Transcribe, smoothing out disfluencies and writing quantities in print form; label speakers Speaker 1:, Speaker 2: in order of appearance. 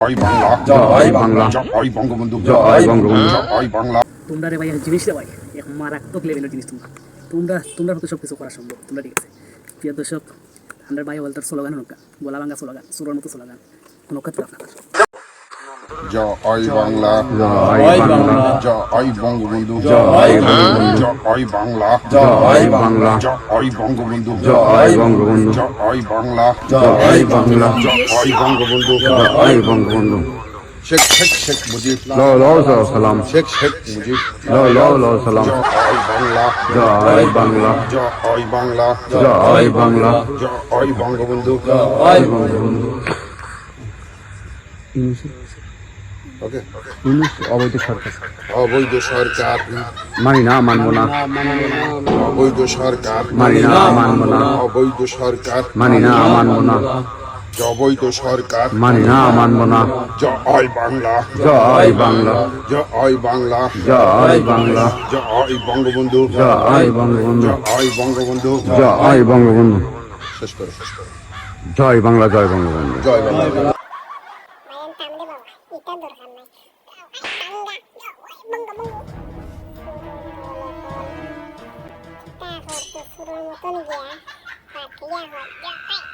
Speaker 1: জয় বাংলা, জয় বাংলা, জয় বঙ্গবন্ধু, জয় বঙ্গবন্ধু, জয় বাংলা।
Speaker 2: তোমরা রে ভাই এক জিনিসটা ভাই এক মারাত্মক লেভেলের জিনিস। তোমরা হয়তো সব কিছু করা সম্ভব। তোমরা ঠিক আছে প্রিয় দর্শক, আমরা ভাই বলতার স্লোগান নৌকা গলা ভাঙ্গা স্লোগান সুরের মতো স্লোগান নৌকা আপনার
Speaker 1: জয় বাংলা,
Speaker 3: জয় বাংলা,
Speaker 1: জয় বঙ্গবন্ধু,
Speaker 3: জয় বঙ্গবন্ধু,
Speaker 1: জয় বাংলা,
Speaker 3: জয় বাংলা,
Speaker 1: জয় বঙ্গবন্ধু,
Speaker 3: জয় বঙ্গবন্ধু,
Speaker 1: জয় বাংলা,
Speaker 3: জয় বাংলা,
Speaker 1: জয় বঙ্গবন্ধু,
Speaker 3: জয় বঙ্গবন্ধু।
Speaker 1: শেখ শেখ শেখ মুজিব,
Speaker 3: লাও সালাম,
Speaker 1: শেখ শেখ মুজিব,
Speaker 3: লাও সালাম।
Speaker 1: জয় বাংলা,
Speaker 3: জয় বাংলা,
Speaker 1: জয় বাংলা,
Speaker 3: জয় বাংলা,
Speaker 1: জয় বঙ্গবন্ধু।
Speaker 3: জয় বঙ্গবন্ধু।
Speaker 1: ওকে,
Speaker 3: অবৈধ সরকার
Speaker 1: অবৈধ সরকার
Speaker 3: মানি না, মানবো না,
Speaker 1: অবৈধ সরকার
Speaker 3: মানি না, মানবো না,
Speaker 1: অবৈধ সরকার
Speaker 3: মানি না, মানবো না,
Speaker 1: অবৈধ সরকার
Speaker 3: মানি না, মানবো না।
Speaker 1: জয় বাংলা,
Speaker 3: জয় বাংলা,
Speaker 1: জয় বাংলা,
Speaker 3: জয় বাংলা,
Speaker 1: জয় বঙ্গবন্ধু,
Speaker 3: জয় বঙ্গবন্ধু,
Speaker 1: জয় বঙ্গবন্ধু।
Speaker 3: জয় বঙ্গবন্ধু।
Speaker 1: শেষ করো,
Speaker 3: জয় বাংলা, জয় বঙ্গবন্ধু।
Speaker 1: জয় বাংলা।
Speaker 4: মায়ের টানলে বাবা এটা দরকার নাই টাঙ্গা বঙ্গবঙ্গ তারপর তো শুরুর মতন গিয়া পাঠিয়া হয়